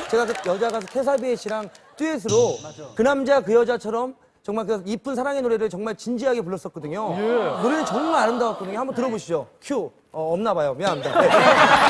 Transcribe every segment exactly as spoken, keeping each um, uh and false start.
제가 그 여자 가수 캐사비에 씨랑 듀엣으로 그 남자 그 여자처럼 정말 그 이쁜 사랑의 노래를 정말 진지하게 불렀었거든요. 예. 노래는 정말 아름다웠거든요. 한번 들어보시죠. 큐. 어, 없나 봐요. 미안합니다. 네.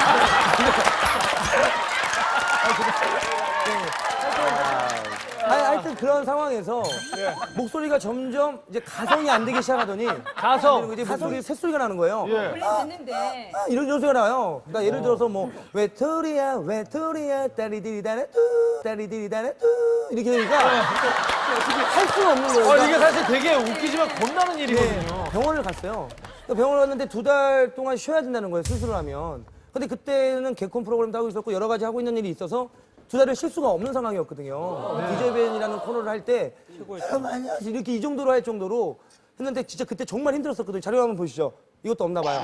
아니, 하여튼 그런 상황에서 예. 목소리가 점점 이제 가성이 안 되기 시작하더니 가성 이제 목소리 새소리가 나는 거예요. 원래 듣는데 아, 이런 이런 소리가 나요. 그러니까 예를 들어서 뭐 외톨이야 외톨이야 따리디리다네 뚜 따리디리다네 뚜 이렇게 되니까 할 수가 없는 거예요. 어, 그러니까 이게 사실 되게 웃기지만 겁나는 일이거든요. 네, 병원을 갔어요. 병원을 갔는데 두 달 동안 쉬어야 된다는 거예요, 수술을 하면. 근데 그때는 개콘 프로그램도 하고 있었고 여러 가지 하고 있는 일이 있어서 두 달을 쉴 수가 없는 상황이었거든요. 네. 디제이밴이라는 코너를 할 때 이렇게 이 정도로 할 정도로 했는데 진짜 그때 정말 힘들었었거든요. 자료 한번 보시죠. 이것도 없나 봐요.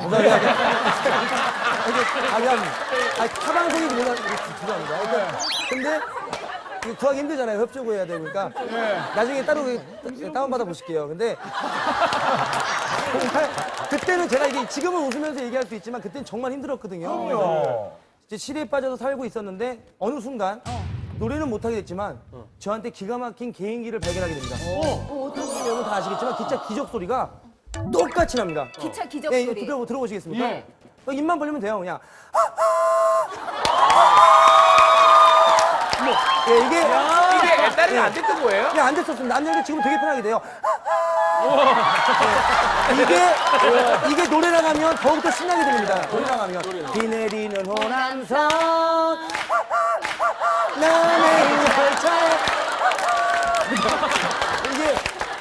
아니, 아니, 타방송이 그냥 죄송합니다. 그러니까 근데 이거 구하기 힘들잖아요. 협조구 해야 되니까. 나중에 따로 다운받아 보실게요. 근데 정말 그때는 제가 이게 지금은 웃으면서 얘기할 수 있지만 그때는 정말 힘들었거든요. 그래서 이제 시리에 빠져서 살고 있었는데 어느 순간 노래는 못하게 됐지만 저한테 기가 막힌 개인기를 발견하게 됩니다. 어, 어떤 게 여러분 다 아시겠지만 기차 기적 소리가 똑같이 납니다. 기차 기적 예, 소리. 들어, 들어보시겠습니까? 예. 어, 입만 벌리면 돼요, 그냥. 예, 이게 이게 옛날에는 예. 안 됐던 거예요? 그냥 안 됐었습니다. 안 됐는데 지금 되게 편하게 돼요. 네. 이게 이게 노래랑 하면 더욱더 신나게 들립니다. 노래랑 하면 비 내리는 호남선 나는 열차에 이게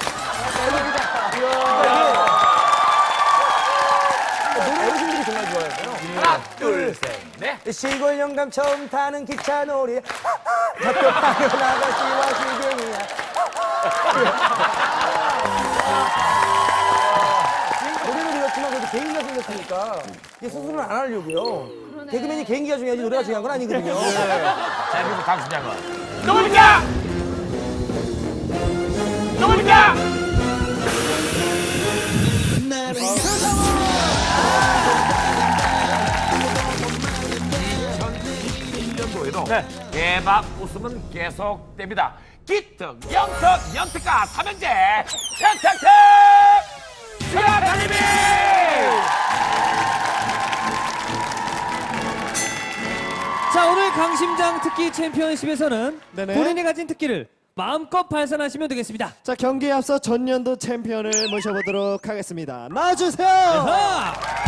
노래 어르신들이 정말 좋아해요. 하나, 둘, 셋, 넷. 시골 영감 처음 타는 기차 놀이 학교 가면 아가씨와 시경이야. 노래는 그렇지만 그래도 개인기가 생겼으니까 이게 수술은 안 하려고요. 개그맨이 개인기가 중요하지 노래가 중요한 건 아니거든요. 자, 그리고 강수장은 누굽니까? 누굽니까? 이천이십일 년도에도 네. 대박 웃음은 계속됩니다. 기특, 영특, 영특가 삼형제 탁탁탁 수야타님이 자, 오늘 강심장 특기 챔피언십에서는 네네. 본인이 가진 특기를 마음껏 발산하시면 되겠습니다. 자, 경기에 앞서 전년도 챔피언을 모셔보도록 하겠습니다. 나와주세요. 하!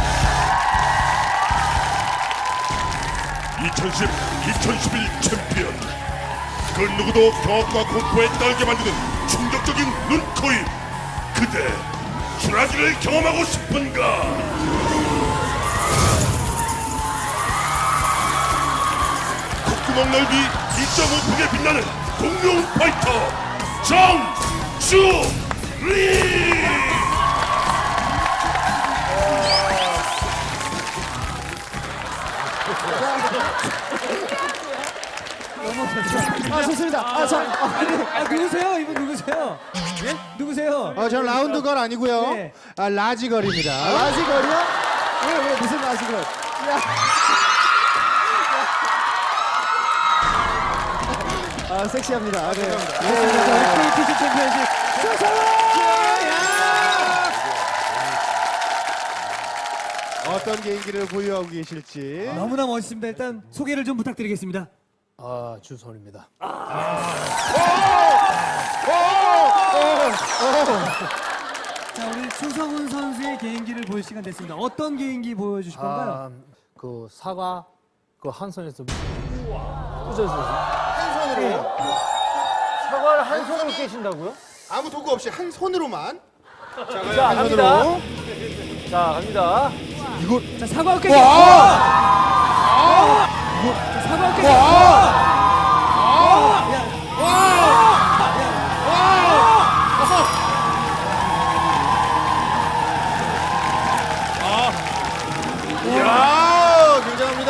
이천십, 이천십일 챔피언. 그 누구도 경악과 공포에 떨게 만드는 충격적인 눈, 코, 입. 그대 주라기를 경험하고 싶은가? 콧구멍 넓이 이 점 오 폭에 빛나는 공룡 파이터 정주리. 아, 좋습니다. 아, 자, 아, 네. 아, 누구세요? 이분 누구세요? 예? 누구세요? 아, 저는 라운드걸 아니고요. 네. 아, 라지걸입니다. 아, 라지걸이요? 왜, 왜, 무슨 라지걸? 야. 아, 섹시합니다. 아, 네. 케이티씨 챔피언십 어떤 개인기를 보유하고 계실지. 너무나 멋있습니다. 일단 소개를 좀 부탁드리겠습니다. 아, 주선입니다. 자, 우리 추성훈 선수의 개인기를 보일 시간 됐습니다. 어떤 개인기 보여주실 건가요? 아, 그 사과 그 한 손에서 꽂아서 한 손으로 사과를 한 손으로 깨신다고요? 아무 도구 없이 한 손으로만. 자, 갑니다. 자, 갑니다. 자, 사과 어깨. 와! 자, 사과 어깨. 와! 이야, 굉장합니다.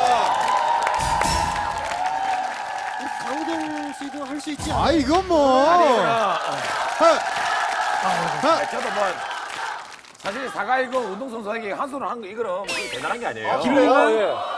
강호동 씨도 할 수 있지 않아요? 아, 이건 뭐. 아, 하, 저도 뭐 사실 사과 이거 운동선수에게 한 손으로 한 거 이거는 뭐 대단한 게 아니에요. 기록이요? 예.